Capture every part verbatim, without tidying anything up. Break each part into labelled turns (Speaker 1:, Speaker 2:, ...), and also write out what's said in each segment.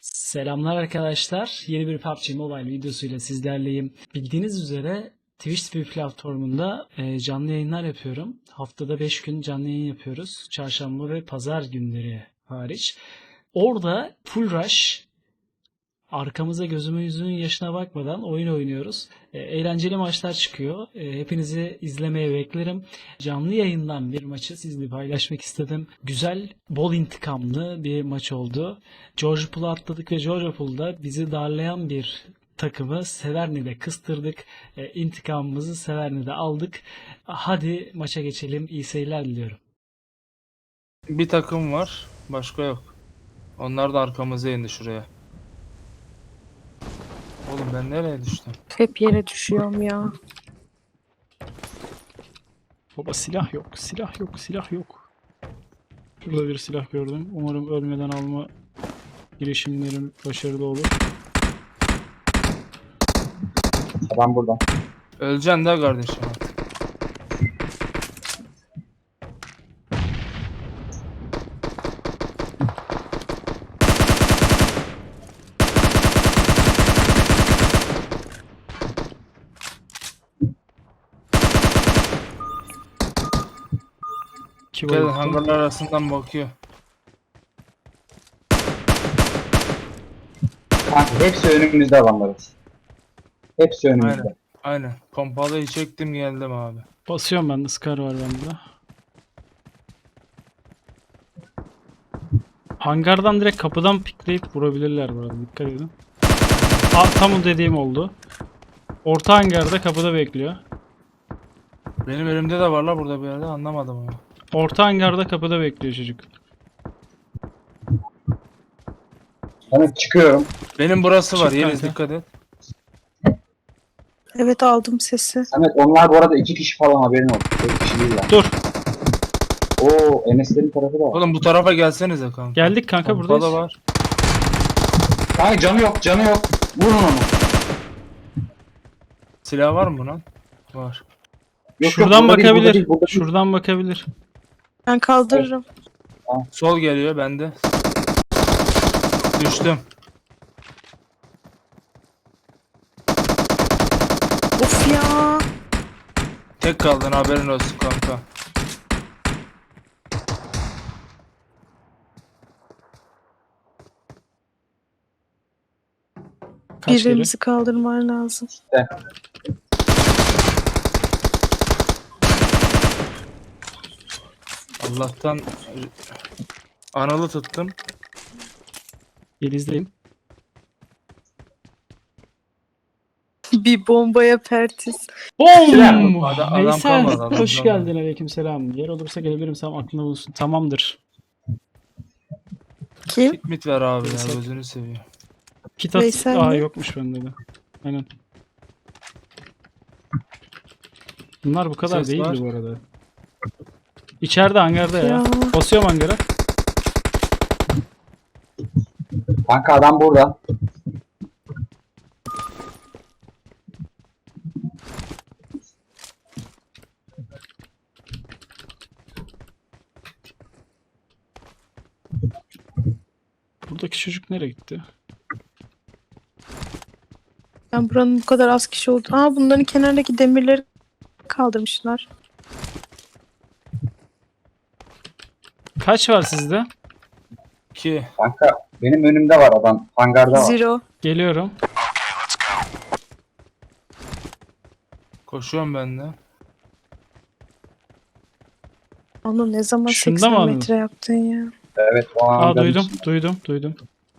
Speaker 1: Selamlar arkadaşlar. Yeni bir P U B G Mobile videosuyla sizlerleyim. Bildiğiniz üzere Twitch T V platformunda e, canlı yayınlar yapıyorum. Haftada beş gün canlı yayın yapıyoruz. Çarşamba ve pazar günleri hariç. Orada full rush, arkamıza gözümüzün yaşına bakmadan oyun oynuyoruz. E, eğlenceli maçlar çıkıyor. E, hepinizi izlemeye beklerim. Canlı yayından bir maçı sizinle paylaşmak istedim. Güzel, bol intikamlı bir maç oldu. George Pool'a atladık ve George Pool'da bizi darlayan bir takımı Severni'de kıstırdık. E, intikamımızı Severni'de aldık. Hadi maça geçelim. İyi seyirler diliyorum.
Speaker 2: Bir takım var, başka yok. Onlar da arkamıza indi şuraya. Oğlum ben nereye düştüm?
Speaker 3: Hep yere düşüyorum ya.
Speaker 1: Baba silah yok, silah yok, silah yok. Şurada bir silah gördüm. Umarım ölmeden alma girişimlerim başarılı olur.
Speaker 4: Adam burada.
Speaker 2: Öleceksin de kardeşim.
Speaker 1: İki
Speaker 2: Gel
Speaker 1: bayılttım.
Speaker 2: hangarlar arasından bakıyor.
Speaker 4: Kanka hepsi önümüzde adamların. Hepsi önümüzde.
Speaker 2: Aynen. Aynen. Pompalıyı çektim geldim abi.
Speaker 1: Basıyorum ben de. Scar var bende. Hangardan direkt kapıdan pikleyip vurabilirler burada. Dikkat edin. Aa, tam o dediğim oldu. Orta hangarda kapıda bekliyor.
Speaker 2: Benim elimde de var la burada bir yerde, anlamadım ama.
Speaker 1: Orta hangarda kapıda bekliyor çocuk.
Speaker 4: Ben çıkıyorum.
Speaker 2: Benim burası var,
Speaker 1: Çık
Speaker 2: Yeliz
Speaker 1: kanka.
Speaker 2: dikkat et.
Speaker 3: Evet, aldım sesi.
Speaker 4: Samet onlar bu arada iki kişi falan, haberin olsun. Tek kişi değil yani.
Speaker 1: Dur.
Speaker 4: Oo Enes'lerin tarafı da var.
Speaker 2: Oğlum bu tarafa gelsenize kanka.
Speaker 1: Geldik kanka,
Speaker 2: Pompalı
Speaker 1: buradayız.
Speaker 2: var.
Speaker 4: Ay canı yok, canı yok. Vurun onu.
Speaker 2: Silah var mı lan? Var.
Speaker 4: Yok,
Speaker 1: Şuradan
Speaker 4: yok, burada değil, burada
Speaker 1: bakabilir.
Speaker 4: değil, burada değil.
Speaker 1: Şuradan bakabilir.
Speaker 3: Ben kaldırırım.
Speaker 2: Sol geliyor bende. Düştüm.
Speaker 3: Of ya.
Speaker 2: Tek kaldın, haberin olsun kanka.
Speaker 1: Kaç kere?
Speaker 3: Birimizi kaldırman lazım.
Speaker 2: Allah'tan analı tuttum.
Speaker 1: Yeliz'deyim.
Speaker 3: Bir bombaya pertiz.
Speaker 1: Boom!
Speaker 2: Adam- adam
Speaker 1: Veysel,
Speaker 2: kalmadı, adam
Speaker 1: hoş
Speaker 2: kalmadı.
Speaker 1: geldin. Aleykümselam. Yer olursa gelebilirim. Sen aklında bulunsun. Tamamdır.
Speaker 3: Kim?
Speaker 2: Kit mit ver abi ya,
Speaker 1: Veysel.
Speaker 2: gözünü seveyim.
Speaker 1: Kit at.
Speaker 3: Veysel
Speaker 1: Aa,
Speaker 3: mi?
Speaker 1: yokmuş bende de. Aynen. Bunlar bu kadar
Speaker 2: Ses
Speaker 1: değildi
Speaker 2: var.
Speaker 1: bu arada. İçeride hangarda ya.
Speaker 3: Ya.
Speaker 1: Basıyorum hangara.
Speaker 4: Kanka adam burada.
Speaker 1: Buradaki çocuk nereye gitti?
Speaker 3: Ben buranın bu kadar az kişi oldu. Aa, bunların kenardaki demirleri kaldırmışlar.
Speaker 1: Kaç var sizde?
Speaker 2: İki.
Speaker 4: Kanka benim önümde var adam. Hangarda var.
Speaker 3: Zero.
Speaker 1: Geliyorum.
Speaker 2: Koşuyorum ben de.
Speaker 3: Onu ne zaman
Speaker 1: Şunda mı
Speaker 3: seksen
Speaker 1: anladın?
Speaker 3: metre yaptın ya?
Speaker 4: Evet o
Speaker 1: Aa,
Speaker 4: hangarın
Speaker 1: duydum.
Speaker 4: içinde.
Speaker 1: Duydum. Duydum.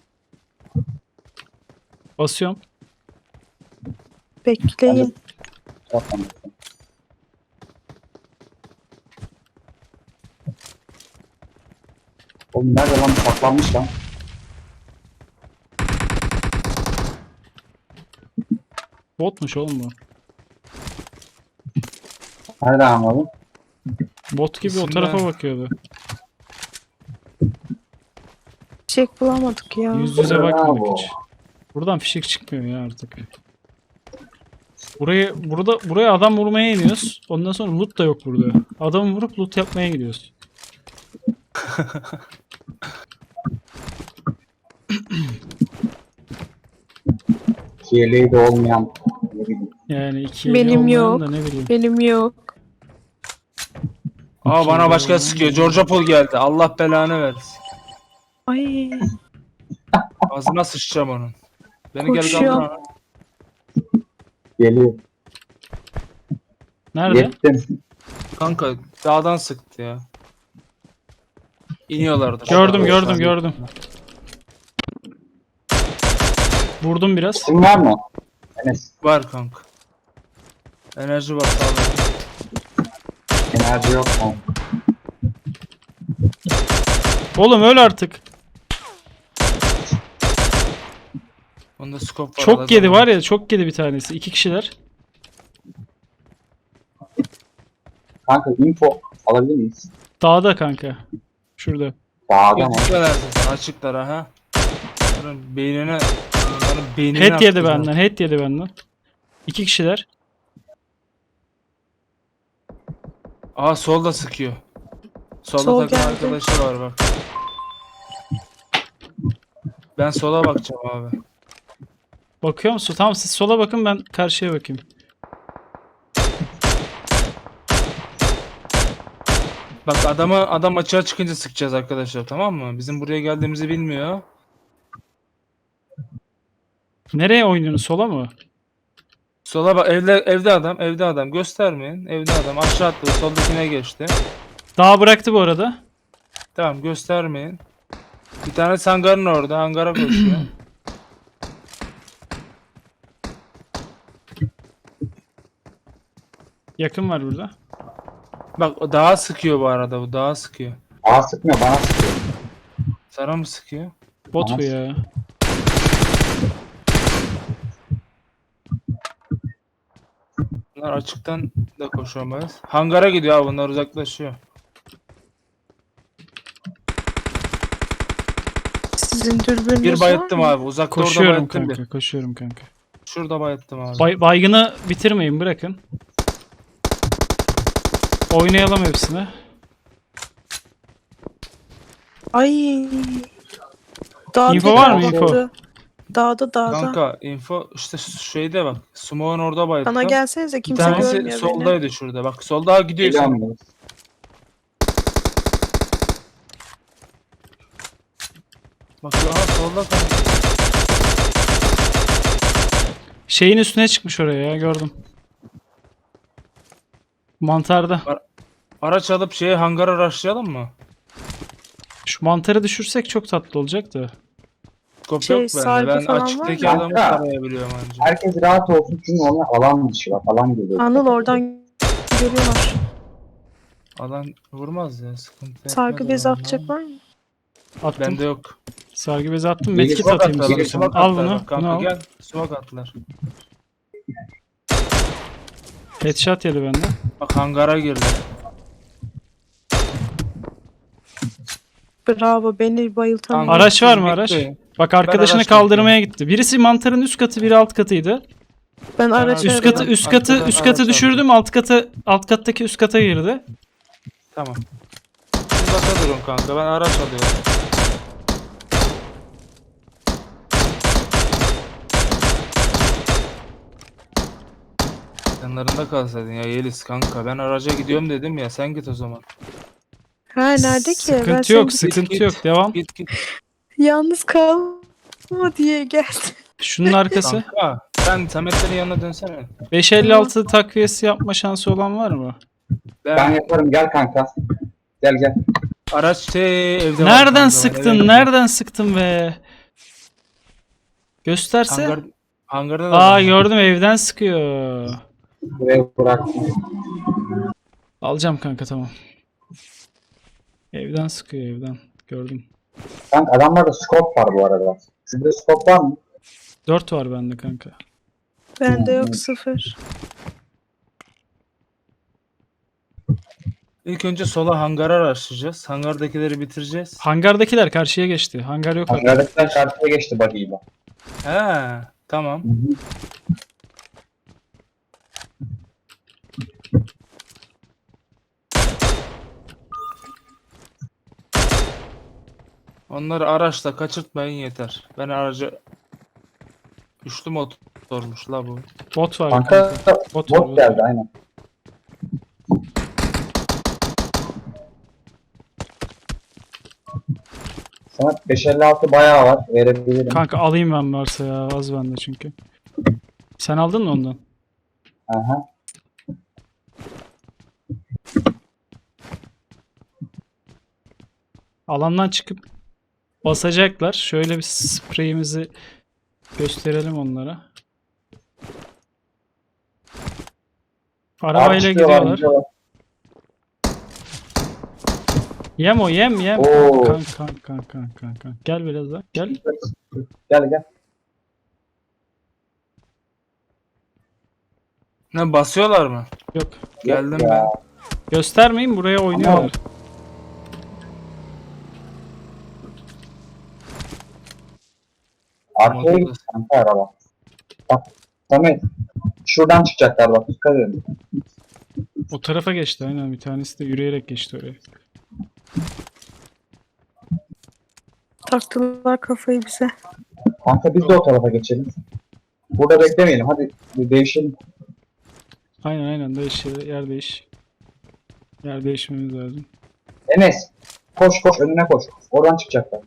Speaker 1: Basıyorum.
Speaker 3: Bekleyin.
Speaker 4: Zaten. Oğlum nerede lan, saklanmış lan.
Speaker 1: Botmuş oğlum bu.
Speaker 4: Nereden anladın?
Speaker 1: Bot gibi o
Speaker 2: İsimler.
Speaker 1: tarafa bakıyordu.
Speaker 3: Çek bulamadık ya.
Speaker 1: Yüz yüze bakmadık
Speaker 4: Bravo.
Speaker 1: hiç. Buradan fişek çıkmıyor ya artık. Burayı burada buraya adam vurmaya iniyoruz. Ondan sonra loot da yok burada. Adamı vurup loot yapmaya gidiyoruz.
Speaker 4: Yeleği de olmayan ne bileyim.
Speaker 1: Yani iki
Speaker 3: Benim
Speaker 1: eli olmayan
Speaker 3: yok.
Speaker 1: da ne bileyim.
Speaker 3: Benim yok.
Speaker 2: Aa
Speaker 1: İki
Speaker 2: bana
Speaker 1: eli
Speaker 2: başka
Speaker 1: olmayan
Speaker 2: sıkıyor.
Speaker 1: da-
Speaker 2: George Paul geldi. Allah belanı versin.
Speaker 3: Ay
Speaker 2: Ağzına sıçacağım onun. Beni gel
Speaker 3: Koşuyor.
Speaker 2: kaldır ana.
Speaker 4: Geliyor.
Speaker 1: Nerede?
Speaker 4: Yettim.
Speaker 2: Kanka dağdan sıktı ya. İniyorlardı.
Speaker 1: Gördüm
Speaker 2: Aşağı-
Speaker 1: gördüm gördüm. Vurdum biraz.
Speaker 4: Kim var mı? Enes.
Speaker 2: Var kanka. Enerji var sağda.
Speaker 4: Enerji yok mu?
Speaker 1: Oğlum öl artık.
Speaker 2: Onda scope var.
Speaker 1: Çok yedi
Speaker 2: alacağım.
Speaker 1: var ya, çok yedi bir tanesi. İki kişiler.
Speaker 4: Kanka info alabilir miyiz?
Speaker 1: Dağda kanka. Şurada.
Speaker 4: Dağda mı?
Speaker 2: Gözüküyorlar zaten açıklar ha. Bunların beynine bunların beynine
Speaker 1: Head yedi
Speaker 2: attıracağım.
Speaker 1: benden. Head yedi benden. İki kişiler.
Speaker 2: Aa solda sıkıyor. Solda
Speaker 3: Sol
Speaker 2: takım
Speaker 3: geldi.
Speaker 2: arkadaşı var bak. Ben sola bakacağım abi.
Speaker 1: Bakıyor musun? Tamam, siz sola bakın, ben karşıya bakayım.
Speaker 2: Bak adamı adam açığa çıkınca sıkacağız arkadaşlar, tamam mı? Bizim buraya geldiğimizi bilmiyor.
Speaker 1: Nereye oynuyorsun? Sola mı?
Speaker 2: Sola bak, evde evde adam, evde adam, göstermeyin. Evde adam aşağı attı, soldakine geçti.
Speaker 1: Dağ bıraktı bu arada.
Speaker 2: Tamam, göstermeyin. Bir tane hangarın orada, hangara koşuyor.
Speaker 1: Yakın var burada.
Speaker 2: Bak o daha sıkıyor bu arada, bu daha sıkıyor.
Speaker 4: Bana sıkmıyor, bana sıkıyor.
Speaker 2: Sana mı sıkıyor?
Speaker 1: Bot bu
Speaker 4: Tamam.
Speaker 1: ya.
Speaker 2: Bunlar açıktan da koşamayız. Hangara gidiyor abi, bunlar uzaklaşıyor.
Speaker 3: sizin dürbününüz
Speaker 2: Bir
Speaker 3: var
Speaker 2: bayıttım
Speaker 3: mı?
Speaker 2: abi, uzakta orada
Speaker 1: Koşuyorum
Speaker 2: bayıttım
Speaker 1: kanka.
Speaker 2: bir.
Speaker 1: Koşuyorum kanka.
Speaker 2: Şurada bayıttım abi.
Speaker 1: Bay, baygını bitirmeyin, bırakın. Oynayalım hepsini.
Speaker 3: Ay. Dağ
Speaker 1: İnfo var mı,
Speaker 3: tekrar
Speaker 1: info?
Speaker 3: baktı. Dağda dağda.
Speaker 2: Kanka info işte şeyde bak. Smoke'un orada bayıttım.
Speaker 3: Bana gelsenize,
Speaker 2: Bir
Speaker 3: kimse
Speaker 2: tanesi
Speaker 3: görmüyor beni.
Speaker 2: soldaydı şurada. Bak solda gidiyor. sen.
Speaker 4: Geliyorum.
Speaker 2: Bak aha solda kanka.
Speaker 1: Şeyin üstüne çıkmış oraya ya, gördüm. Mantarda.
Speaker 2: Araç alıp şeye hangara rushlayalım mı?
Speaker 1: Şu mantarı düşürsek çok tatlı olacak da.
Speaker 2: Skop
Speaker 3: Şey,
Speaker 2: yok bende.
Speaker 3: sargı
Speaker 2: Ben
Speaker 3: falan var
Speaker 2: açıktaki
Speaker 3: mı?
Speaker 2: adamı
Speaker 4: Kanka.
Speaker 2: tarayabiliyorum anca.
Speaker 4: Herkes rahat olsun çünkü ona alan dışı var. Alan geliyor.
Speaker 3: Anıl oradan görüyorlar.
Speaker 2: Alan vurmaz ya, sıkıntı
Speaker 3: Sargı
Speaker 2: etmez
Speaker 3: bezi
Speaker 2: alan.
Speaker 3: atacak var mı?
Speaker 1: Attım.
Speaker 2: Bende yok.
Speaker 1: Sargı bezi attım.
Speaker 4: Biri
Speaker 1: Medkit
Speaker 2: Smoke
Speaker 1: atayım
Speaker 2: attılar,
Speaker 1: istiyorsan.
Speaker 2: smoke
Speaker 1: Al
Speaker 2: attılar
Speaker 1: bunu.
Speaker 2: bak
Speaker 1: Bunu
Speaker 2: kanka,
Speaker 1: al.
Speaker 2: gel. Smoke attılar.
Speaker 1: Headshot yedi benden.
Speaker 2: Bak hangara girdi.
Speaker 3: Bravo, beni bayıltan.
Speaker 2: Kanka,
Speaker 1: Araç var
Speaker 2: siz
Speaker 1: mı, araç?
Speaker 2: bekleyin.
Speaker 1: Bak, arkadaşını
Speaker 2: araç
Speaker 1: kaldırmaya gitti. Birisi mantarın üst katı, biri alt katıydı.
Speaker 3: Ben araç
Speaker 2: Üst
Speaker 1: Üst katı
Speaker 3: arıyorum.
Speaker 1: üst katı
Speaker 2: Arkadan
Speaker 1: üst katı
Speaker 2: araç
Speaker 1: düşürdüm. Alt katı alt kattaki üst kata girdi.
Speaker 2: Tamam. Siz baka durun kanka, ben araç alıyorum. Yanlarında kalsaydın ya Yeliz kanka, ben araca gidiyorum dedim ya, sen git o zaman.
Speaker 3: Ha nerede ki? Ben
Speaker 1: Sıkıntı
Speaker 3: seni
Speaker 1: yok, sıkıntı
Speaker 2: git.
Speaker 1: yok. Devam.
Speaker 2: Git git
Speaker 3: yalnız kalma diye geldim.
Speaker 1: Şunun arkası.
Speaker 2: kanka. Sen Sametlerin yanına dönsene.
Speaker 1: beş elli altı takviyesi yapma şansı olan var mı?
Speaker 2: Ben,
Speaker 4: Ben yaparım, gel kanka. Gel gel.
Speaker 2: araç şey evde var
Speaker 1: Nereden
Speaker 2: kanka, ben
Speaker 1: sıktın?
Speaker 2: eve
Speaker 1: Nereden sıktın be? Gösterse.
Speaker 2: Hangar, hangarda da
Speaker 1: Aa,
Speaker 2: adam var.
Speaker 1: gördüm, evden sıkıyor.
Speaker 4: Buraya bıraktım.
Speaker 1: Alacağım kanka, tamam. Evden sıkıyor, evden. Gördüm.
Speaker 4: Kanka adamlarda scope var bu arada. Sizde scope var mı?
Speaker 1: dört var bende kanka.
Speaker 3: Bende yok, sıfır.
Speaker 2: İlk önce sola hangara araştıracağız. Hangardakileri bitireceğiz.
Speaker 1: Hangardakiler karşıya geçti. Hangar yok artık.
Speaker 4: Hangardakiler karşıya geçti buggy'yle.
Speaker 2: He, tamam. Onları araçla kaçırtmayın yeter. Ben araca üçlü mod sormuş la bu.
Speaker 1: Bot var
Speaker 4: Kanka
Speaker 1: kanka. Bot var,
Speaker 4: bot
Speaker 1: bot.
Speaker 4: geldi aynen. Sana beş elli altı bayağı var. Verebilirim.
Speaker 1: Kanka alayım ben varsa ya. Az bende çünkü. Sen aldın mı ondan?
Speaker 4: Aha.
Speaker 1: Alandan çıkıp basacaklar. Şöyle bir spreyimizi gösterelim onlara. Arabayla
Speaker 4: çıkıyorlar,
Speaker 1: gidiyorlar.
Speaker 4: gidiyorlar.
Speaker 1: Yem o yem yem.
Speaker 4: Oo.
Speaker 1: Kanka kanka kanka kanka kanka. Gel biraz daha. Gel.
Speaker 4: Gel gel.
Speaker 2: Ne basıyorlar mı?
Speaker 1: Yok.
Speaker 2: Geldim
Speaker 4: Ya.
Speaker 2: ben.
Speaker 1: Göstermeyin, buraya oynuyorlar.
Speaker 4: Arkaya git kanka araba. Bak Samet. Şuradan çıkacaklar bak. Dikkat edin.
Speaker 1: O tarafa geçti aynen, bir tanesi de yürüyerek geçti oraya.
Speaker 3: Taktılar kafayı bize.
Speaker 4: Kanka biz de o tarafa geçelim. Burada beklemeyelim. Hadi bir değişelim.
Speaker 1: Aynen aynen, değiş yer değiş. Yer değişmemiz lazım.
Speaker 4: Enes. Koş koş önüne koş. Oradan çıkacaklar.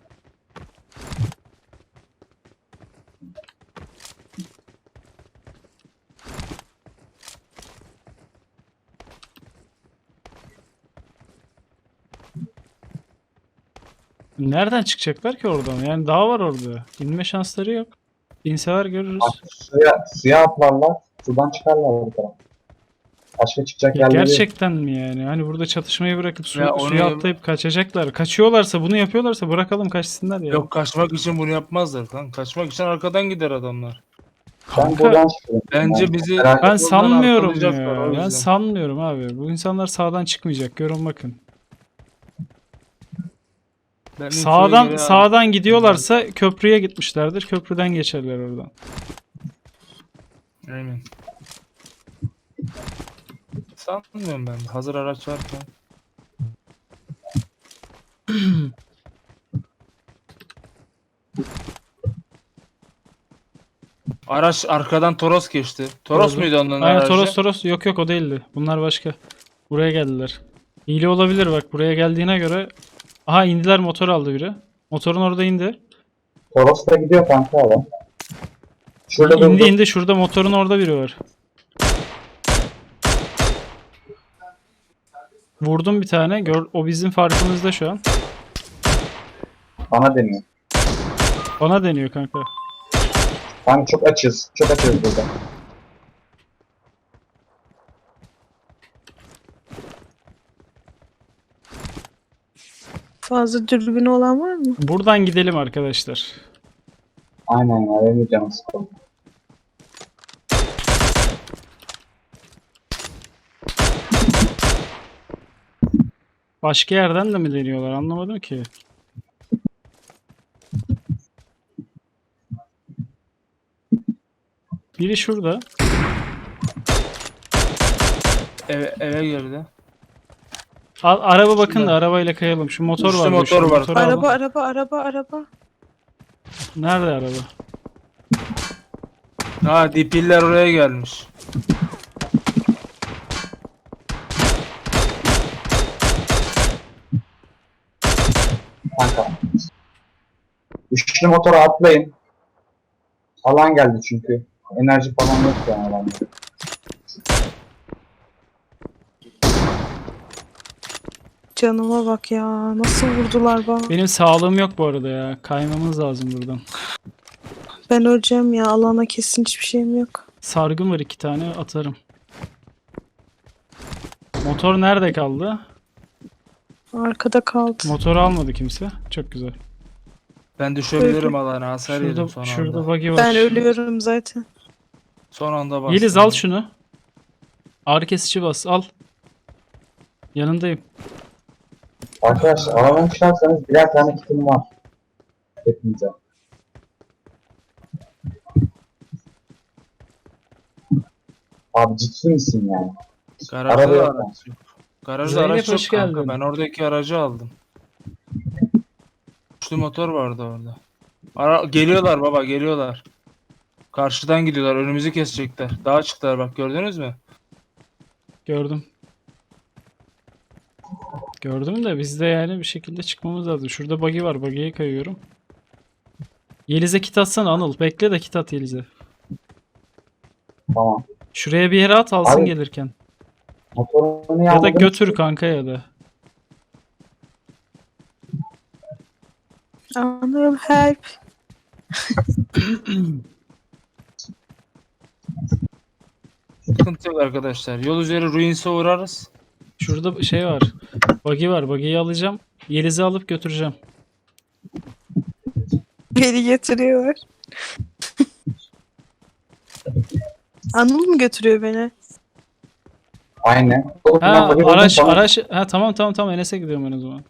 Speaker 1: Nereden çıkacaklar ki oradan? Yani dağ var orada. İnme şansları yok. İnseler görürüz.
Speaker 4: Bak, suya, suya atlarlar. Sudan çıkarlar bu tarafa. Başka çıkacak
Speaker 1: Ya
Speaker 4: yerleri yok.
Speaker 1: gerçekten mi yani? Hani burada çatışmayı bırakıp su,
Speaker 2: Ya onu-
Speaker 1: suya atlayıp kaçacaklar. Kaçıyorlarsa, bunu yapıyorlarsa bırakalım kaçsınlar ya.
Speaker 2: Yok, kaçmak için bunu yapmazlar lan. Kaçmak için arkadan gider adamlar.
Speaker 4: Ben
Speaker 1: Kanka,
Speaker 4: buradan çıkıyorum.
Speaker 2: Bence
Speaker 4: Ben-
Speaker 2: bizi-
Speaker 4: Merak
Speaker 1: ben
Speaker 2: Oradan
Speaker 1: sanmıyorum
Speaker 2: arkalayacaklar, o
Speaker 1: ya. Ben
Speaker 2: yüzden.
Speaker 1: sanmıyorum abi. Bu insanlar sağdan çıkmayacak. Görün bakın.
Speaker 2: Ben infoya
Speaker 1: Sağdan
Speaker 2: göre-
Speaker 1: sağdan gidiyorlarsa köprüye gitmişlerdir. Köprüden geçerler oradan.
Speaker 2: Aynen. Sanmıyorum ben. Hazır araç varken. Araç arkadan Toros geçti. Toros
Speaker 1: Gördüm.
Speaker 2: muydu onların
Speaker 1: Aynen,
Speaker 2: aracı?
Speaker 1: Toros Toros. Yok yok, o değildi. Bunlar başka. Buraya geldiler. Hile olabilir bak, buraya geldiğine göre. Aha, indiler, motor aldı biri. Motorun orada indi.
Speaker 4: Toros da gidiyor kanka adam. Şurada
Speaker 1: İndi
Speaker 4: durdu.
Speaker 1: indi, şurada motorun orada biri var. Vurdum bir tane. Gör, o bizim farkımızda şu an.
Speaker 4: Bana deniyor.
Speaker 1: Bana deniyor kanka.
Speaker 4: Kanka çok açız. Çok açız burada.
Speaker 3: Fazla dürbünü olan var mı?
Speaker 1: Buradan gidelim arkadaşlar.
Speaker 4: Aynen ya. Benim de canım sıkıldı.
Speaker 1: Başka yerden de mi deniyorlar, anlamadım ki. Biri şurada.
Speaker 2: Eve, eve girdi.
Speaker 1: A- araba bakın da
Speaker 2: Şurada.
Speaker 1: arabayla kayalım. Şu motor
Speaker 2: Üçlü
Speaker 1: var.
Speaker 2: motor var.
Speaker 3: Araba araba araba araba.
Speaker 1: Nerede araba?
Speaker 2: Ha, dipiller oraya gelmiş.
Speaker 4: Kanka. Üçlü motora atlayın. Alan geldi çünkü. Enerji falan yok yani alanda.
Speaker 3: Canıma bak ya. Nasıl vurdular bana.
Speaker 1: Benim sağlığım yok bu arada ya. Kaymamız lazım buradan.
Speaker 3: Ben öleceğim ya. Alana kesin hiçbir şeyim yok.
Speaker 1: Sargın var, iki tane atarım. Motor nerede kaldı?
Speaker 3: Arkada kaldı.
Speaker 1: Motoru almadı kimse. Çok güzel.
Speaker 2: Ben düşebilirim alana. Hasar yedim son
Speaker 1: Şurada, şurada
Speaker 2: anda.
Speaker 1: buggy var.
Speaker 3: Ben ölüyorum zaten.
Speaker 2: Son anda bastım.
Speaker 1: Yeliz al şunu. Ağrı kesici bas, al. Yanındayım.
Speaker 4: Arkadaşlar alanı çıkarsanız birer tane kitim var. Hepinize.
Speaker 1: Garajda
Speaker 4: Abi ciddi misin yani?
Speaker 2: Garajda
Speaker 4: Araba
Speaker 2: da
Speaker 4: yok.
Speaker 2: araç yok. Garajda
Speaker 1: Zeynep,
Speaker 2: araç yok
Speaker 1: hoş
Speaker 2: kanka.
Speaker 1: geldin.
Speaker 2: Ben oradaki aracı aldım. Üçlü motor vardı orada. Ara geliyorlar baba, geliyorlar. Karşıdan gidiyorlar. Önümüzü kesecekler. Dağa çıktılar bak, gördünüz mü?
Speaker 1: Gördüm. Gördüm de biz de yani bir şekilde çıkmamız lazım. Şurada buggy var. Buggy'ye kayıyorum. Yeliz'e kit atsana Anıl. Bekle de kit at Yeliz'e.
Speaker 4: Tamam.
Speaker 1: Şuraya bir yere at alsın
Speaker 4: Abi-
Speaker 1: gelirken.
Speaker 4: Motorunu
Speaker 1: Ya da
Speaker 4: yağladım.
Speaker 1: götür kanka ya da.
Speaker 3: Anıl help.
Speaker 2: Sıkıntı yok arkadaşlar. Yol üzeri Ruins'e uğrarız.
Speaker 1: Şurada bir şey var. Buggy var. Buggy'yi alacağım. Yeliz'i alıp götüreceğim.
Speaker 3: Beni getiriyorlar. Anıl mı götürüyor beni?
Speaker 4: Aynen.
Speaker 1: Ha
Speaker 4: Buggy buldum,
Speaker 1: araç
Speaker 4: tamam.
Speaker 1: araç ha tamam tamam tamam Enes'e gidiyorum ben o zaman.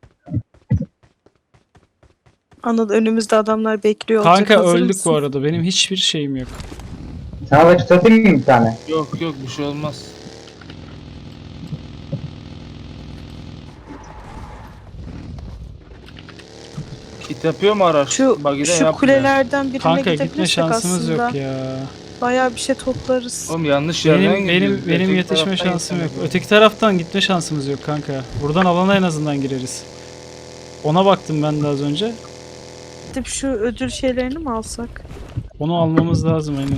Speaker 3: Anıl önümüzde adamlar bekliyor olacak.
Speaker 1: Kanka
Speaker 3: hazır
Speaker 1: öldük
Speaker 3: mısın?
Speaker 1: bu arada. Benim hiçbir şeyim yok.
Speaker 4: Sana da çıtlatayım mı bir tane?
Speaker 2: Yok yok, bir şey olmaz. Kit yapıyor mu araç?
Speaker 3: Şu,
Speaker 2: Buggy'de
Speaker 3: şu
Speaker 2: yapmıyor.
Speaker 3: kulelerden birine
Speaker 1: Kanka gitme
Speaker 3: gidebilirsek
Speaker 1: şansımız
Speaker 3: aslında
Speaker 1: yok ya.
Speaker 3: bayağı bir şey toplarız.
Speaker 2: Oğlum yanlış yerden
Speaker 1: Benim benim
Speaker 2: gidiyoruz.
Speaker 1: benim
Speaker 2: Öteki
Speaker 1: yetişme
Speaker 2: taraftan
Speaker 1: şansım yok.
Speaker 2: gitmemiz
Speaker 1: Öteki taraftan gitme şansımız yok kanka. Buradan alana en azından gireriz. Ona baktım ben de az önce.
Speaker 3: Gidip şu ödül şeylerini mi alsak?
Speaker 1: Onu almamız lazım aynen.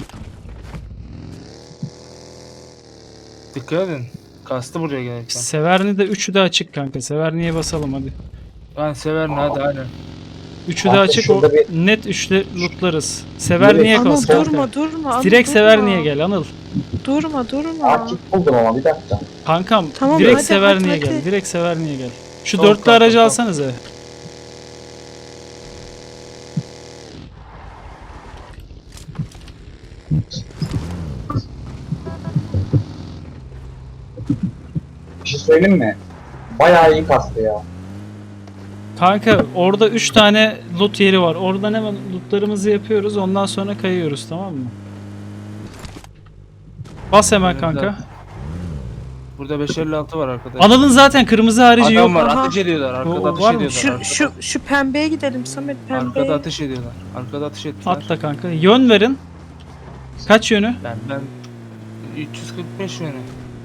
Speaker 2: Dikkat edin. Kastı buraya gelirken.
Speaker 1: Severni de üçü de açık kanka. Severni'ye basalım hadi.
Speaker 2: Ben severim, hadi hadi.
Speaker 1: Üçü de
Speaker 4: Kanka
Speaker 1: açık. O,
Speaker 4: şurada bir-
Speaker 1: net üçte lootlarız. Severni'ye
Speaker 3: Anıl
Speaker 1: bas kanka.
Speaker 3: durma durma. Anıl,
Speaker 1: Direkt
Speaker 3: durma.
Speaker 1: Severni'ye gel Anıl.
Speaker 3: Durma durma.
Speaker 4: Aa kit buldum ama bir dakika.
Speaker 1: Kankam
Speaker 3: Tamam,
Speaker 1: direkt
Speaker 3: hadi,
Speaker 1: Severni'ye
Speaker 3: hadi,
Speaker 1: gel.
Speaker 3: hadi.
Speaker 1: Direkt Severni'ye gel. Şu
Speaker 2: Tamam,
Speaker 1: dörtlü
Speaker 2: tamam,
Speaker 1: aracı
Speaker 2: tamam.
Speaker 1: alsanıza.
Speaker 4: Bir şey söyleyeyim mi? Bayağı iyi kastı ya.
Speaker 1: Kanka orada üç tane loot yeri var. Oradan hemen lootlarımızı yapıyoruz. Ondan sonra kayıyoruz, tamam mı? Bas hemen
Speaker 2: Evet,
Speaker 1: kanka.
Speaker 2: evet. Burada beş elli altı var arkadaşlar.
Speaker 1: Anıl'ın zaten kırmızı harici
Speaker 2: Adam
Speaker 1: yok.
Speaker 2: var,
Speaker 3: Aha.
Speaker 2: ateş ediyorlar. Arkada
Speaker 1: O-
Speaker 2: ateş
Speaker 1: var mı?
Speaker 2: ediyorlar.
Speaker 3: Şu
Speaker 2: arkada.
Speaker 3: şu şu pembeye gidelim Samet, pembeye.
Speaker 2: Arkada ateş ediyorlar. Arkada ateş ettiler.
Speaker 1: Atla kanka. Yön verin. Kaç yönü?
Speaker 2: Ben ben üç yüz kırk beş yönü.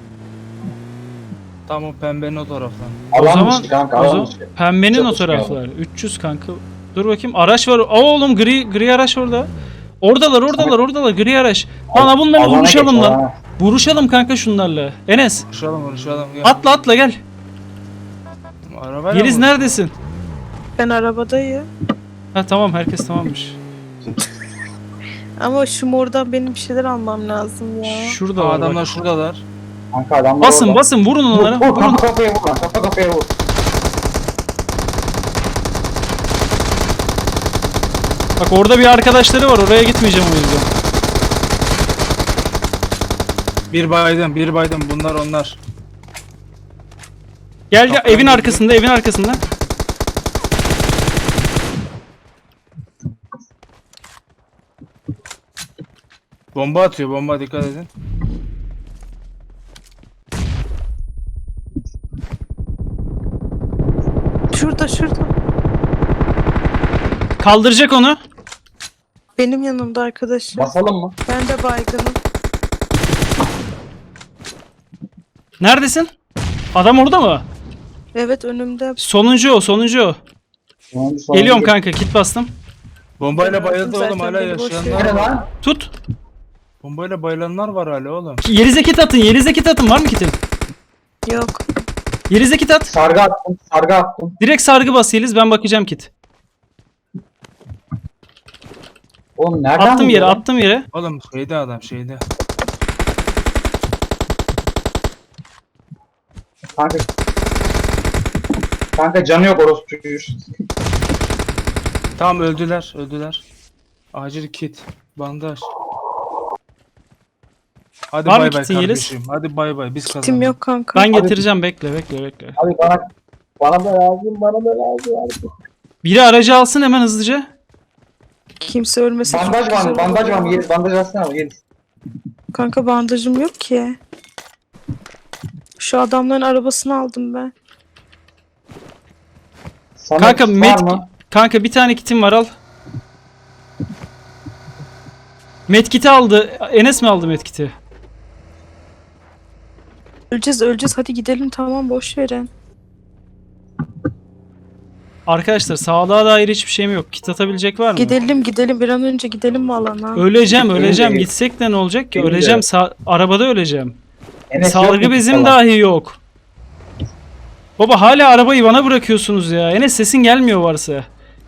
Speaker 2: Tam o pembenin o taraftan.
Speaker 1: O
Speaker 4: Alan
Speaker 1: zaman,
Speaker 4: dışı kanka,
Speaker 1: o
Speaker 4: alan
Speaker 1: zaman
Speaker 4: dışı.
Speaker 1: pembenin o
Speaker 4: Çatışmayalım.
Speaker 1: taraflar. üç yüz kanka. Dur bakayım. Araç var. Aa oğlum gri gri araç orada. Oradalar, oradalar, oradalar. Gri araç. Lan bunları
Speaker 4: Alana
Speaker 1: vuruşalım
Speaker 4: geç,
Speaker 1: lan.
Speaker 4: alana.
Speaker 1: Vuruşalım kanka şunlarla. Enes,
Speaker 2: Vuruşalım vuruşalım. Gel.
Speaker 1: atla atla gel.
Speaker 2: Arabayla
Speaker 1: Yeliz
Speaker 2: mı?
Speaker 1: neredesin?
Speaker 3: Ben arabadayım.
Speaker 1: Ha tamam, herkes tamammış.
Speaker 3: Ama şu mordan benim bir şeyler almam lazım ya.
Speaker 1: Şurada
Speaker 2: Aa,
Speaker 1: var
Speaker 2: adamlar
Speaker 1: bak.
Speaker 2: şuradalar.
Speaker 4: Kanka adamlar
Speaker 1: Basın
Speaker 4: orada.
Speaker 1: basın vurun
Speaker 4: Vur,
Speaker 1: onlara.
Speaker 4: vur,
Speaker 1: Vurun.
Speaker 4: kafa kafaya vur lan, kafa kafaya vur.
Speaker 1: Bak orada bir arkadaşları var. Oraya gitmeyeceğim o yüzden.
Speaker 2: Bir baydım, bir baydım. Bunlar onlar.
Speaker 1: Gel gel
Speaker 2: Kaptan
Speaker 1: evin
Speaker 2: girdi.
Speaker 1: arkasında, evin arkasında.
Speaker 2: Bomba atıyor, bomba, dikkat edin.
Speaker 3: Şurada şurada.
Speaker 1: Kaldıracak onu.
Speaker 3: Benim yanımda arkadaşım.
Speaker 4: Basalım mı?
Speaker 3: Ben de baygınım.
Speaker 1: Neredesin? Adam orada mı?
Speaker 3: Evet önümde.
Speaker 1: Sonuncu o, sonuncu o.
Speaker 4: Sonuncu, sonuncu.
Speaker 1: Geliyorum kanka, kit bastım.
Speaker 2: Bombayla
Speaker 3: Ben
Speaker 2: bayıldı
Speaker 3: zaten
Speaker 2: oğlum, hala
Speaker 3: beni boş
Speaker 2: yaşayanlar
Speaker 4: Nerede
Speaker 2: var.
Speaker 4: lan?
Speaker 1: Tut.
Speaker 2: Bombayla bayılanlar var hala oğlum.
Speaker 1: Yelize kit atın, Yelize kit atın. Var mı kitin?
Speaker 3: Yok.
Speaker 1: Yelize kit at.
Speaker 4: Sargı attım, sargı attım.
Speaker 1: Direkt sargı bas Yeliz, ben bakacağım kit.
Speaker 4: Oğlum nereden
Speaker 1: Attım yere,
Speaker 4: buluyor lan?
Speaker 1: attım yere.
Speaker 2: Oğlum şeyde adam, şeyde.
Speaker 4: Kanka. Kanka canı yok orospu çocuğu.
Speaker 2: Tamam, öldüler, öldüler. Acil kit, bandaj. Hadi
Speaker 1: Var mı
Speaker 2: bay bay
Speaker 1: kitin Yeliz?
Speaker 2: kardeşim. Hadi bay bay, biz kazandık.
Speaker 3: Tim yok kanka.
Speaker 1: Ben getireceğim, bekle bekle bekle.
Speaker 4: Abi bana bana da lazım, bana da lazım abi.
Speaker 1: Biri aracı alsın hemen hızlıca.
Speaker 3: Kimse ölmesin. çok
Speaker 4: Bandaj var
Speaker 3: güzel
Speaker 4: mı? Bandaj
Speaker 3: olur.
Speaker 4: var mı? Yeliz bandaj alsana mı? Yeliz.
Speaker 3: Kanka bandajım yok ki. Şu adamların arabasını aldım ben.
Speaker 4: Samet
Speaker 1: Kanka
Speaker 4: var
Speaker 1: med
Speaker 4: mı?
Speaker 1: kanka bir tane kitim var al. Medkit'i aldı. Enes mi aldı medkit'i?
Speaker 3: Öleceğiz öleceğiz hadi gidelim tamam boş verin.
Speaker 1: Arkadaşlar sağlığa dair hiçbir şeyim yok. Kit atabilecek var mı?
Speaker 3: Gidelim gidelim bir an önce gidelim mi alana?
Speaker 1: Öleceğim öleceğim.
Speaker 4: Benim de-
Speaker 1: Gitsek de ne olacak ki?
Speaker 4: Benim de.
Speaker 1: Öleceğim. Sa- arabada öleceğim.
Speaker 4: Enes yok
Speaker 1: Salgı
Speaker 4: mu
Speaker 1: bezim
Speaker 4: falan?
Speaker 1: dahi yok. Baba hala arabayı bana bırakıyorsunuz ya. Enes sesin gelmiyor varsa.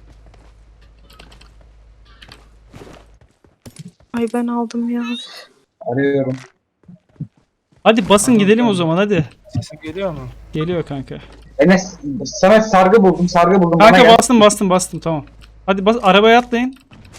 Speaker 3: Ay ben aldım ya.
Speaker 4: Arıyorum.
Speaker 1: Hadi basın
Speaker 2: Tamam,
Speaker 1: gidelim o
Speaker 2: tamam.
Speaker 1: zaman hadi.
Speaker 2: Sesim geliyor mu?
Speaker 1: Geliyor kanka.
Speaker 4: Enes sana sargı buldum sargı buldum. Bana
Speaker 1: Kanka
Speaker 4: gel.
Speaker 1: bastım bastım bastım tamam. Hadi bas arabaya atlayın.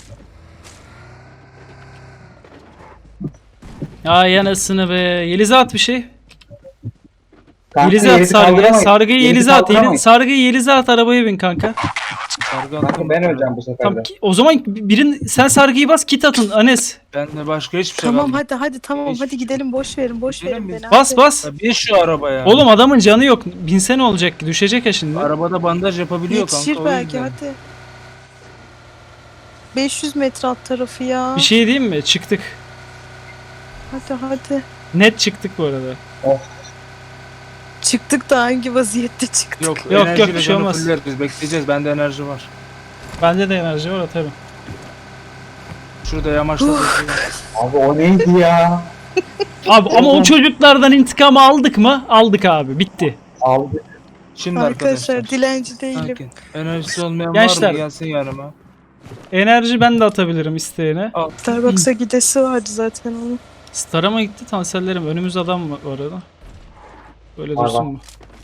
Speaker 1: Ay yanasını be. Yeliz'e at bir şey.
Speaker 4: Kanka,
Speaker 1: Yeliz'e at
Speaker 4: Yeliz'i
Speaker 1: sargıyı.
Speaker 4: kaldıramayız.
Speaker 1: Sargıyı
Speaker 4: Yeliz'i
Speaker 1: Yeliz'e at. Yeliz,
Speaker 4: kaldıramayız.
Speaker 1: sargıyı Yeliz'e at arabaya bin kanka.
Speaker 2: Sargı
Speaker 4: Kanka
Speaker 2: attım.
Speaker 4: ben öleceğim bu sefer de.
Speaker 1: Tamam, ki- o zaman birin sen sargıyı bas kit atın Anes.
Speaker 2: Ben de başka hiçbir şey
Speaker 3: Tamam
Speaker 2: kalmadı.
Speaker 3: hadi hadi tamam
Speaker 2: Hiç-
Speaker 3: hadi gidelim boş verin boş
Speaker 2: Gidelim
Speaker 3: verin
Speaker 2: biz.
Speaker 3: beni.
Speaker 1: Bas
Speaker 3: hadi.
Speaker 1: bas.
Speaker 2: Ya bin şu arabaya.
Speaker 1: Oğlum adamın canı yok. Binse ne olacak ki? Düşecek ya şimdi.
Speaker 2: Arabada bandaj yapabiliyor
Speaker 3: Yetişir
Speaker 2: kanka. o
Speaker 3: belki
Speaker 2: yüzden.
Speaker 3: hadi. beş yüz metre alt tarafı ya.
Speaker 1: Bir şey diyeyim mi? Çıktık.
Speaker 3: Hadi hadi.
Speaker 1: Net çıktık bu arada.
Speaker 3: Çıktık da hangi vaziyette çıktık?
Speaker 2: Yok
Speaker 1: Yok, yok,
Speaker 2: enerjiyle
Speaker 1: bir şey
Speaker 2: canı
Speaker 1: olmaz.
Speaker 2: fuller, biz bekleyeceğiz. Bende enerji var.
Speaker 1: Bende de enerji var atarım.
Speaker 2: Şurada yamaçta bekliyorum.
Speaker 4: Abi o neydi ya?
Speaker 1: Abi ama o çocuklardan intikamı aldık mı? Aldık abi. Bitti.
Speaker 4: Aldı.
Speaker 2: Şimdi
Speaker 3: Arkadaşlar,
Speaker 2: arkadaşlar.
Speaker 3: dilenci değilim.
Speaker 2: Sakin. Enerjisi olmayan
Speaker 1: Gençler.
Speaker 2: var mı? Gelsin yanıma.
Speaker 1: Enerji ben de atabilirim isteyene.
Speaker 2: Al.
Speaker 3: Starbucks'a gidesi vardı zaten onun.
Speaker 1: Star'a mı gitti tansellerim? Önümüz adam var orada. Böyle
Speaker 4: Var,
Speaker 1: dursun
Speaker 4: var.
Speaker 1: mu?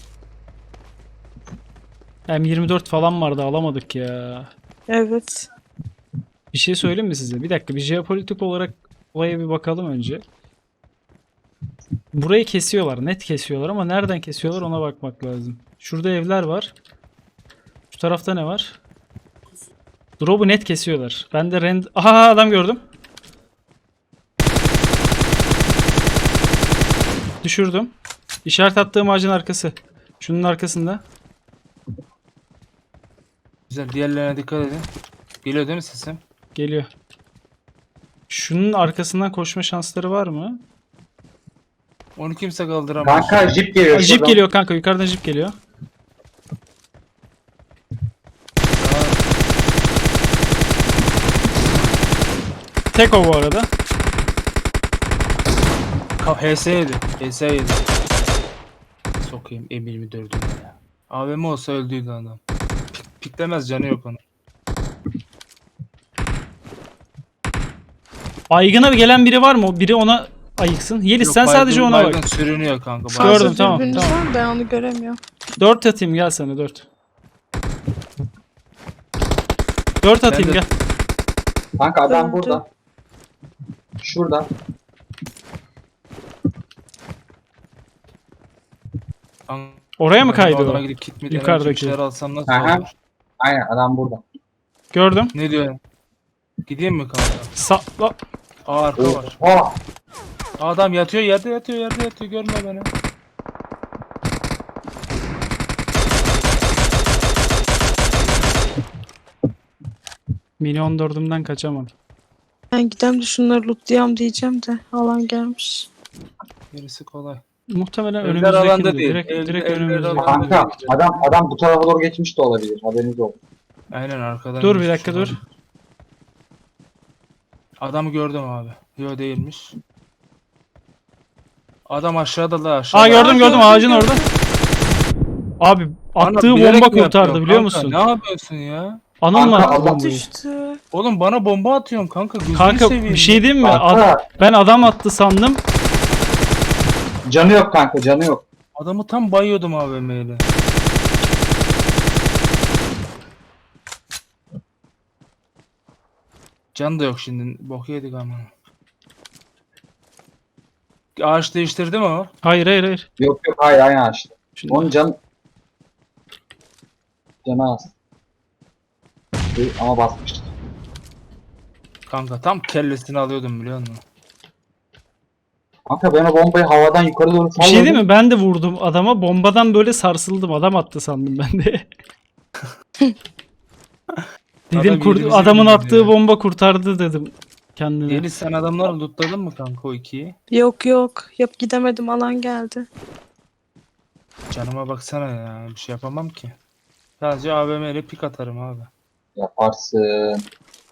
Speaker 1: M yirmi dört falan vardı alamadık ya.
Speaker 3: Evet.
Speaker 1: Bir şey söyleyeyim mi size? Bir dakika bir jeopolitik olarak olaya bir bakalım önce. Burayı kesiyorlar. Net kesiyorlar ama nereden kesiyorlar ona bakmak lazım. Şurada evler var. Şu tarafta ne var? Drop'u net kesiyorlar. Ben de rend... Aha adam gördüm. Düşürdüm. İşaret attığım ağacın arkası. Şunun arkasında.
Speaker 2: Güzel. Diğerlerine dikkat edin. Geliyor değil mi sesim?
Speaker 1: Geliyor. Şunun arkasından koşma şansları var mı?
Speaker 2: Onu kimse kaldıramaz.
Speaker 4: Kanka jip geliyor.
Speaker 1: Aa, jip
Speaker 4: şuradan.
Speaker 1: geliyor kanka. Yukarıdan jip geliyor. Tek o bu arada.
Speaker 2: Ka- H S yedi. H S yedi. Sokayım M yirmi dördü ya. A V M olsa öldüydü adam. Pik, piklemez canı yok onun.
Speaker 1: Aygın'a gelen biri var mı? Biri ona ayıksın. Yeliz
Speaker 2: Yok,
Speaker 1: sen sadece
Speaker 2: baygın-
Speaker 1: ona
Speaker 2: baygın
Speaker 1: bak.
Speaker 2: sürünüyor kanka.
Speaker 1: Gördüm,
Speaker 2: baygın.
Speaker 3: Fazla
Speaker 1: tamam,
Speaker 3: dürbününüz
Speaker 1: tamam.
Speaker 3: var mı? Ben onu göremiyorum.
Speaker 1: dört atayım gel sana dört. dört atayım
Speaker 2: Ben de-
Speaker 1: gel.
Speaker 4: Kanka adam
Speaker 3: Öldü.
Speaker 4: burada. Şurada.
Speaker 2: Kanka,
Speaker 1: Oraya mı
Speaker 2: ben
Speaker 1: kaydı
Speaker 2: bu adama
Speaker 1: o?
Speaker 2: gidip kit mi
Speaker 1: Yukarıdaki.
Speaker 2: enerji bir şeyler alsam nasıl
Speaker 4: Aha.
Speaker 2: olur?
Speaker 4: Aynen adam burada.
Speaker 1: Gördüm.
Speaker 2: Ne diyor? Gideyim mi kanka?
Speaker 1: Sa la-
Speaker 2: Aa arka var.
Speaker 4: Oha.
Speaker 2: Adam yatıyor yerde yatıyor yerde yatıyor görme beni.
Speaker 1: Mini on dördümden kaçamam.
Speaker 3: Ben gidem de şunları lootlayam diyeceğim de alan gelmiş.
Speaker 2: Gerisi kolay.
Speaker 1: Muhtemelen
Speaker 2: Evler
Speaker 1: önümüzdeki
Speaker 2: alanda değil.
Speaker 1: direkt,
Speaker 2: Ev-
Speaker 1: direkt
Speaker 2: evler
Speaker 1: önümüzdeki.
Speaker 2: alanda.
Speaker 4: Kanka adam adam bu tarafa doğru geçmiş de olabilir. Haberiniz olsun.
Speaker 2: Aynen arkadan.
Speaker 1: Dur bir
Speaker 2: geçmiş
Speaker 1: dakika dur.
Speaker 2: olabilir. Adamı gördüm abi. Yo değilmiş. Adam aşağıda da aşağıda.
Speaker 1: Aa gördüm
Speaker 3: Aa,
Speaker 1: gördüm
Speaker 3: gördüm,
Speaker 1: ağacın
Speaker 3: gördüm.
Speaker 1: orada. Abi
Speaker 2: Bana
Speaker 1: attığı
Speaker 2: bilerek
Speaker 1: bomba
Speaker 2: mi
Speaker 1: kurtardı
Speaker 2: yapıyorsun
Speaker 1: biliyor
Speaker 2: kanka?
Speaker 1: musun?
Speaker 2: Ne yapıyorsun ya?
Speaker 1: Anıl mı
Speaker 4: Kanka,
Speaker 1: attı
Speaker 4: Allah
Speaker 1: bombayı?
Speaker 3: Düştü.
Speaker 2: Oğlum bana bomba atıyorsun kanka. Gözünü
Speaker 1: Kanka
Speaker 2: seveyim
Speaker 1: bir şey diyeyim mi? Ad-
Speaker 4: Kanka
Speaker 1: ben adam attı sandım.
Speaker 4: canı yok kanka canı yok.
Speaker 2: Adamı tam bayıyordum A V M'yle. Can da yok şimdi. Bok yedik ama. Ağaç değiştirdi mi o?
Speaker 1: Hayır hayır hayır.
Speaker 4: Yok yok hayır aynı açtı.
Speaker 1: Şimdi
Speaker 4: Onun can canı az. Ama basmıştı.
Speaker 2: Kanka tam kellesini alıyordum biliyor musun?
Speaker 4: Kanka ben o bombayı havadan yukarı doğru
Speaker 1: bir
Speaker 4: salladım.
Speaker 1: şey değil mi? Ben de vurdum adama. Bombadan böyle sarsıldım. Adam attı sandım ben de. dedim
Speaker 2: Adam
Speaker 1: kur-
Speaker 2: yerimize
Speaker 1: adamın
Speaker 2: bilmiyor
Speaker 1: attığı
Speaker 2: ya.
Speaker 1: bomba kurtardı dedim. kendine.
Speaker 2: Yeliz sen adamları lootladın mı kanka o ikiyi?
Speaker 3: Yok yok. Yap gidemedim, alan geldi.
Speaker 2: Canıma baksana ya. Bir şey yapamam ki. Sadece A V M ile pik atarım abi.
Speaker 4: Yaparsın.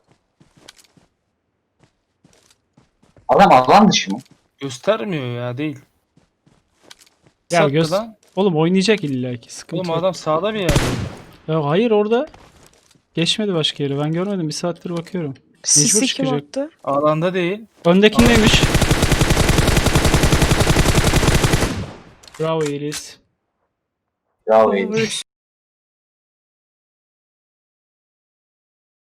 Speaker 4: Adam alan dışı mı?
Speaker 2: Göstermiyor ya değil.
Speaker 1: Ya
Speaker 2: Sattı
Speaker 1: göz-
Speaker 2: lan.
Speaker 1: Oğlum oynayacak illa ki. Sıkıntı
Speaker 2: Oğlum
Speaker 1: yok.
Speaker 2: adam sağda bir yerde.
Speaker 1: Ya hayır orada. Geçmedi başka yere. Ben görmedim. Bir saattir bakıyorum.
Speaker 3: Sisi kim
Speaker 1: çıkacak.
Speaker 3: attı?
Speaker 2: Alanda değil.
Speaker 1: Öndekindeymiş. Bravo Yeliz.
Speaker 4: Bravo.
Speaker 3: Vuruş.